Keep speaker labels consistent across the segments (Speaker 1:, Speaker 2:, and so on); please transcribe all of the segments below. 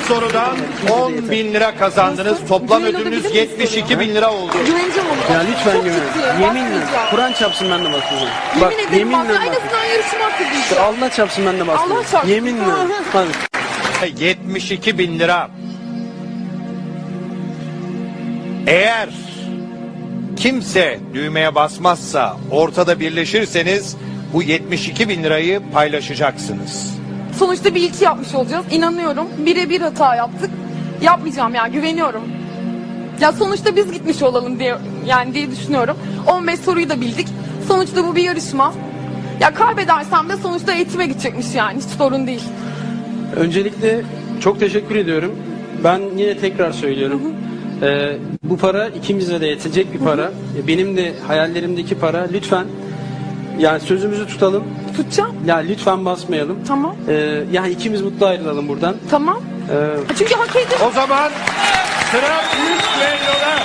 Speaker 1: sorudan 10.000 lira kazandınız. Toplam ödülünüz 72.000 lira oldu.
Speaker 2: Güveneceğim ona.
Speaker 3: Ya lütfen
Speaker 2: Çok
Speaker 3: güven.
Speaker 2: ciddiyim,
Speaker 3: Yeminle.
Speaker 2: bakmayacağım.
Speaker 3: Kur'an çarpsın ben de basmayacağım.
Speaker 2: Yemin ederim bak.
Speaker 3: yeminle
Speaker 2: En
Speaker 3: bak.
Speaker 2: azından yarışma hakkı diyeceğim.
Speaker 3: Allah çarpsın ben de basmayacağım.
Speaker 2: Allah çarpsın.
Speaker 3: Yeminle.
Speaker 2: Hı hı.
Speaker 3: Hadi.
Speaker 1: 72.000 lira. Eğer kimse düğmeye basmazsa, ortada birleşirseniz bu 72.000 lirayı paylaşacaksınız.
Speaker 2: Sonuçta bir ilki yapmış olacağız. İnanıyorum. Birebir hata yaptık. Yapmayacağım yani, güveniyorum. Ya sonuçta biz gitmiş olalım diye düşünüyorum. 15 soruyu da bildik. Sonuçta bu bir yarışma. Ya kaybedersem de sonuçta eğitime gidecekmiş yani. Hiç sorun değil.
Speaker 3: Öncelikle çok teşekkür ediyorum. Ben yine tekrar söylüyorum. Bu para ikimize de yetecek bir para. Benim de hayallerimdeki para. Lütfen yani sözümüzü tutalım.
Speaker 2: Tutacağım.
Speaker 3: Ya lütfen basmayalım.
Speaker 2: Tamam.
Speaker 3: Yani ikimiz mutlu ayrılalım buradan.
Speaker 2: Tamam. Çünkü hak ediyorum.
Speaker 1: O zaman sıra büyük düelloda.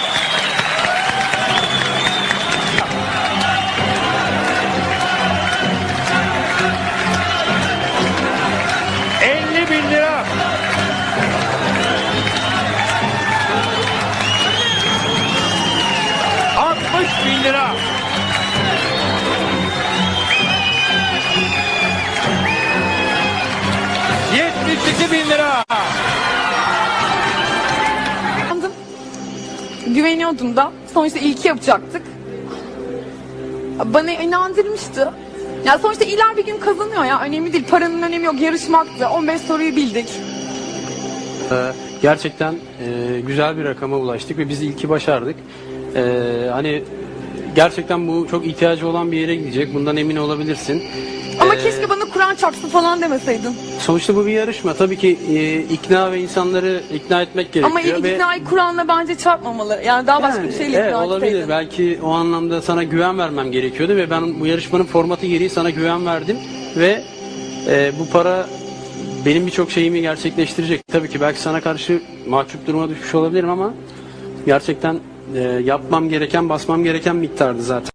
Speaker 1: ...50.000 lira. ...60.000 lira. ...72.000 lira.
Speaker 2: Güveniyordum da. Sonuçta ilki yapacaktık. Bana inandırmıştı. Ya sonuçta iler bir gün kazanıyor ya. Önemli değil. Paranın önemi yok. Yarışmaktı. 15 soruyu bildik.
Speaker 3: Gerçekten güzel bir rakama ulaştık ve biz ilki başardık. Hani gerçekten bu çok ihtiyacı olan bir yere gidecek. Bundan emin olabilirsin.
Speaker 2: Ama keşke bana Kur'an çarpsın falan demeseydin.
Speaker 3: Sonuçta bu bir yarışma. Tabii ki ikna ve insanları ikna etmek gerekiyor.
Speaker 2: Ama iknayı Kur'an'la bence çarpmamalı. Yani daha başka bir şeyle
Speaker 3: evet,
Speaker 2: ikna
Speaker 3: olabilir.
Speaker 2: etseydin.
Speaker 3: Belki o anlamda sana güven vermem gerekiyordu ve ben bu yarışmanın formatı gereği sana güven verdim ve bu para benim birçok şeyimi gerçekleştirecek. Tabii ki belki sana karşı mahcup duruma düşmüş olabilirim ama gerçekten yapmam gereken, basmam gereken miktardı zaten.